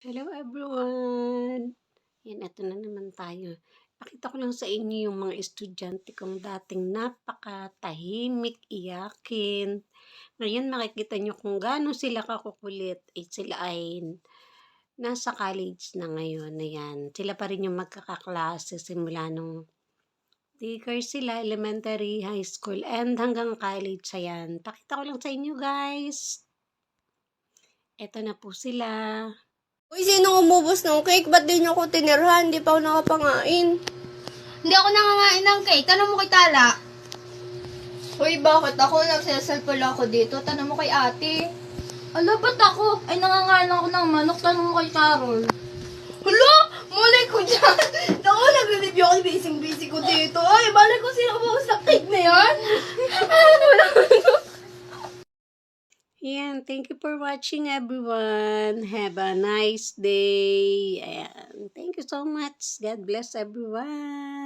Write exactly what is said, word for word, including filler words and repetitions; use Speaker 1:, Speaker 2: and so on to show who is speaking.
Speaker 1: Hello everyone! Yan, eto na naman tayo. Pakita ko lang sa inyo yung mga estudyante kong dating napakatahimik, iyakin. Ngayon makikita nyo kung gaano sila kakukulit. Eh, sila ay nasa college na ngayon. Ayan. Sila pa rin yung magkakaklase simula nung daycare sila, elementary, high school, and hanggang college. Ayan. Pakita ko lang sa inyo guys. Eto na po sila.
Speaker 2: Uy, sinong umubos ng cake? Ba't di niyo ako tinirhan? Di pa ako nakapangain.
Speaker 3: Hindi ako nangangain ng cake. Tanong mo kay Tala.
Speaker 2: Uy, bakit ako? Nagsasalp pala ako dito. Tanong mo kay ate.
Speaker 3: Ala, ba't ako? Ay, nangangain ako ng manok. Tanong mo kay Carol.
Speaker 2: Hala! Malay ko dyan! Naku, nag-review ako. Busy-busy ko dito. Ay, balay ko sino umubos ng cake na yan?
Speaker 1: Ayan, thank you for watching everyone. Have a nice day. Ayan, thank you so much. God bless everyone.